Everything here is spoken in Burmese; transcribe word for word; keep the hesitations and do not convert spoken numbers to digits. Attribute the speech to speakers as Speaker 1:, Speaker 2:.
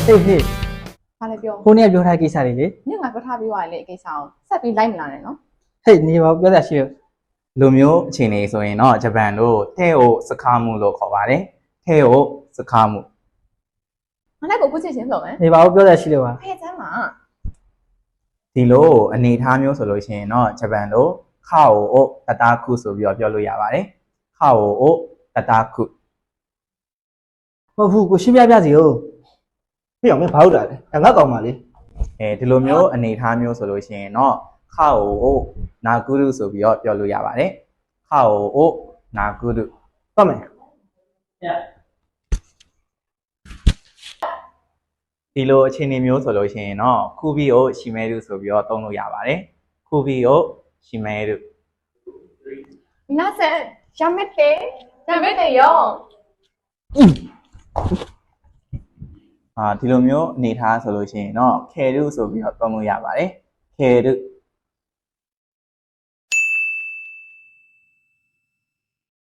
Speaker 1: ဟေးဟေး
Speaker 2: ဘာလဲပြော
Speaker 1: ကိုနေကပြောထားကိစ္စတွေလေ
Speaker 2: ညငါပြောထားပြီးသွားလေအကိစ္စအောင်ဆက်ပြီးလိုက်မလာနဲ့နော်
Speaker 1: ဟေးနေပါပြောတာရှိရ
Speaker 3: လူမျိုးအခြေအနေဆိုရင်တော့ဂျပန်တို့ထဲကိုစခါမှုလို့ခေါ်ပါတယ်ထဲကိုစခါမှု
Speaker 2: ငါလည်းကိုခုချစ်ချင်းဆိုမယ်
Speaker 1: နေပါပြောတာရှိလို့ပါ
Speaker 2: ဖဲချမ်းမှာ
Speaker 3: ဒီလိုအနေအထားမျိုးဆိုလို့ရှိရင်တော့ဂျပန်တို့ခါအိုတတာခုဆိုပြီးတော့ပြောလို့ရပါတယ်ခါအိုတတာခု
Speaker 1: ဟုတ်ဘူးကိုရှင်းပြပြစီဟုတ်
Speaker 4: ဖေးအောင်မင်းဘာလို့တာလဲငါကောင်ပါလေ
Speaker 3: အဲဒီလိုမျိုးအနေအထားမျိုးဆိုလို့ရှိရင်တော့ခါအိုနာဂုရုဆိုပြီးတော့ပြောလို့ရပါတယ်ခါအိုနာဂုရု
Speaker 4: ပတ်မယ်
Speaker 3: ဒီလိုအခြေအနေမျိုးဆိုလို့ရှိရင်တော့ခုဘီအိုရှီမဲရုဆိုပြီးတော့သုံးလို့ရပါတယ်ခုဘီအိုရှီမဲရု
Speaker 2: နာဆက်ရမက်တဲ့ရမက်တဲ့ရော
Speaker 3: အာဒီလိုမျိုးအနေထားဆိုလို့ရှိရင်တော့ခေရုဆိုပြီးတော့သုံးလို့ရပါတယ်ခေရု